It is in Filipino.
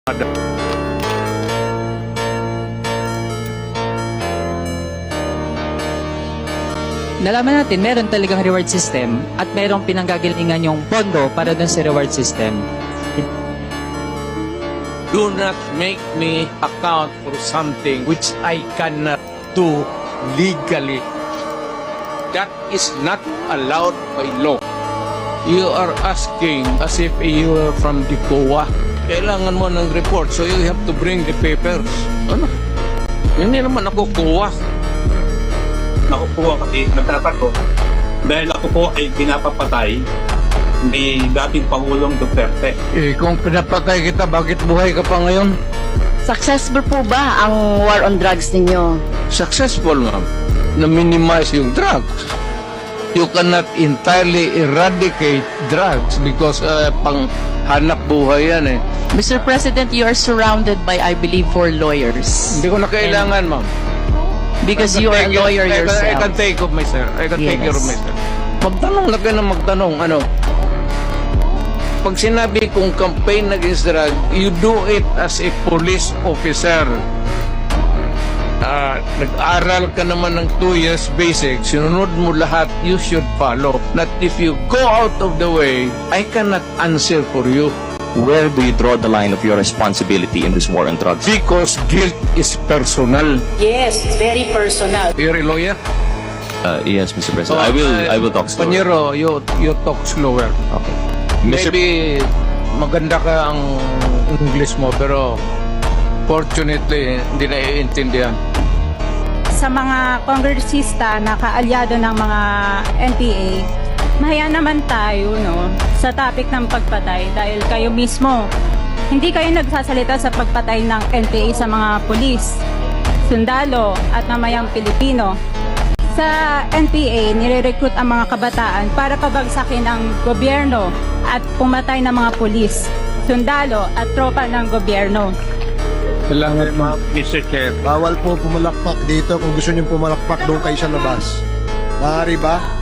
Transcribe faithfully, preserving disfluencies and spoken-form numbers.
Nalaman natin, meron talagang reward system at merong pinanggagalingan yung pondo para dun sa reward system. Do not make me account for something which I cannot do legally. That is not allowed by law. You are asking as if you are from the C O A. Kailangan mo ng report, so you have to bring the papers. Ano? Hindi naman ako C O A. Ako po kasi nagtatakot dahil ako po ay pinapapatay ni dating Pangulong Duterte. Eh, kung pinapatay kita, bakit buhay ka pa ngayon? Successful po ba ang war on drugs ninyo? Successful, ma'am. Na-minimize yung drugs. You cannot entirely eradicate drugs because uh, pang hanap buhay yan eh. Mister President, you are surrounded by, I believe, four lawyers. Hindi ko na kailangan, ma'am. Because I can you are a take it- lawyer I can- I yourself. can take of myself. I can take Yes. care of myself. Magtanong na kayo na magtanong. Ano? Pag sinabi kong campaign against drug, you do it as a police officer. Ah, nag-aral ka naman ng two years basic, sinunod mo lahat, you should follow. Not if you go out of the way, I cannot answer for you. Where do you draw the line of your responsibility in this war on drugs? Because guilt is personal. Yes, very personal. You're a lawyer? Uh, yes, Mister President. I will. I will talk slower. Panyero, you, you talk slower. Okay. Mister Maybe maganda ka ang English mo, pero fortunately, hindi naiintindihan. Sa mga kongresista na kaalyado ng mga N P A, mahaya naman tayo no, sa topic ng pagpatay dahil kayo mismo, hindi kayo nagsasalita sa pagpatay ng N P A sa mga pulis, sundalo at mamayang Pilipino. Sa N P A, nire-recruit ang mga kabataan para pabagsakin ang gobyerno at pumatay ng mga pulis, sundalo at tropa ng gobyerno. Salamat, ma'am. Mister Chair. Bawal po pumalakpak dito. Kung gusto niyo pumalakpak, doon kayo sa labas. Maaari ba?